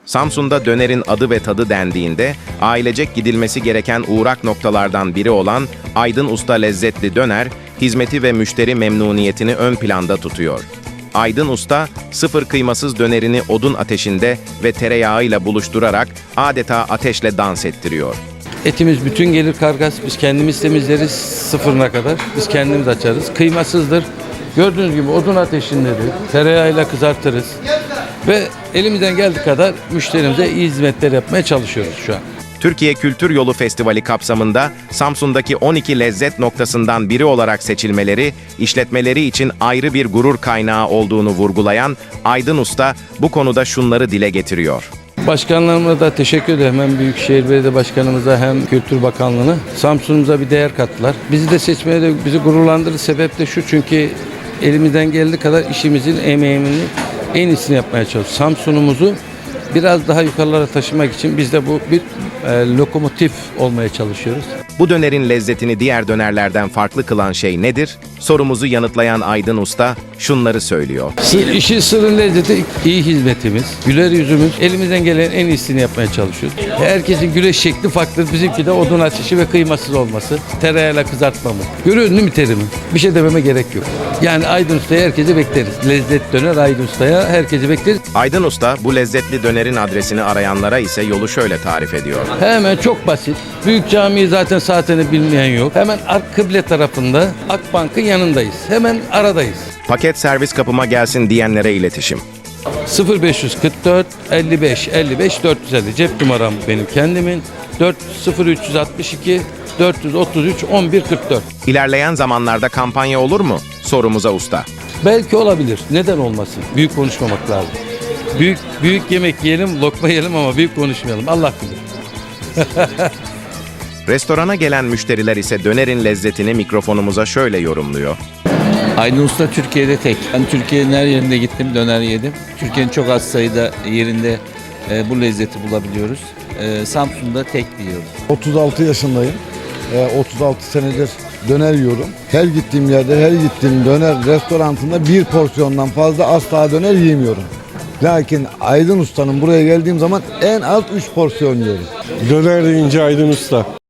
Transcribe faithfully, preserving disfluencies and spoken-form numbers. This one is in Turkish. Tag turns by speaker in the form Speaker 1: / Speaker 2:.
Speaker 1: Samsun'da dönerin adı ve tadı dendiğinde ailecek gidilmesi gereken uğrak noktalardan biri olan Aydın Usta Lezzetli Döner, hizmeti ve müşteri memnuniyetini ön planda tutuyor. Aydın Usta, sıfır kıymasız dönerini odun ateşinde ve tereyağıyla buluşturarak adeta ateşle dans ettiriyor.
Speaker 2: Etimiz bütün gelir kargas. Biz kendimiz temizleriz sıfırına kadar. Biz kendimiz açarız. Kıymasızdır. Gördüğünüz gibi odun ateşindedir. Tereyağıyla kızartırız. Ve elimizden geldiği kadar müşterimize iyi hizmetler yapmaya çalışıyoruz şu an.
Speaker 1: Türkiye Kültür Yolu Festivali kapsamında Samsun'daki on iki lezzet noktasından biri olarak seçilmeleri, işletmeleri için ayrı bir gurur kaynağı olduğunu vurgulayan Aydın Usta bu konuda şunları dile getiriyor.
Speaker 2: Başkanlarıma da teşekkür ederim. Hem Büyükşehir Belediye Başkanımıza hem Kültür Bakanlığı'na. Samsun'umuza bir değer kattılar. Bizi de seçmeye de bizi gururlandırır. Sebep de şu, çünkü elimizden geldiği kadar işimizin emeğini en iyisini yapmaya çalışıyoruz. Samsun'umuzu biraz daha yukarılara taşımak için biz de bu bir e, lokomotif olmaya çalışıyoruz.
Speaker 1: Bu dönerin lezzetini diğer dönerlerden farklı kılan şey nedir? Sorumuzu yanıtlayan Aydın Usta şunları söylüyor.
Speaker 2: Sır, işin sırrın lezzeti iyi hizmetimiz, güler yüzümüz, elimizden gelen en iyisini yapmaya çalışıyoruz. Herkesin güleş şekli farklı. Bizimki de odun ateşi ve kıymasız olması, tereyağıyla kızartmamız. Görüyorsun değil mi terimi? Bir şey dememe gerek yok. Yani Aydın Usta'ya herkesi bekleriz. Lezzet döner Aydın Usta'ya herkesi bekleriz.
Speaker 1: Aydın Usta bu lezzetli dönerin adresini arayanlara ise yolu şöyle tarif ediyor.
Speaker 2: Hemen çok basit. Büyük Camii'yi zaten saatini bilmeyen yok. Hemen ark kıble tarafında Akbank'ın yanındayız. Hemen aradayız.
Speaker 1: Paket servis kapıma gelsin diyenlere iletişim.
Speaker 2: sıfır beş kırk dört elli beş elli beş dört yüz elli cep numaram benim kendimin. dört sıfır üç altı iki dört üç üç on bir kırk dört.
Speaker 1: İlerleyen zamanlarda kampanya olur mu? Sorumuza usta.
Speaker 2: Belki olabilir. Neden olmasın? Büyük konuşmamak lazım. Büyük büyük yemek yiyelim, lokma yiyelim ama büyük konuşmayalım. Allah bilir.
Speaker 1: Restorana gelen müşteriler ise dönerin lezzetini mikrofonumuza şöyle yorumluyor.
Speaker 3: Aydın Usta Türkiye'de tek. Ben Türkiye'nin her yerinde gittim, döner yedim. Türkiye'nin çok az sayıda yerinde e, bu lezzeti bulabiliyoruz. E, Samsun'da tek diyoruz.
Speaker 4: otuz altı yaşındayım. Ee, otuz altı senedir döner yiyorum. Her gittiğim yerde, her gittiğim döner restorantında bir porsiyondan fazla asla döner yiyemiyorum. Lakin Aydın Usta'nın buraya geldiğim zaman en az üç porsiyon yiyorum.
Speaker 5: Döner deyince Aydın Usta.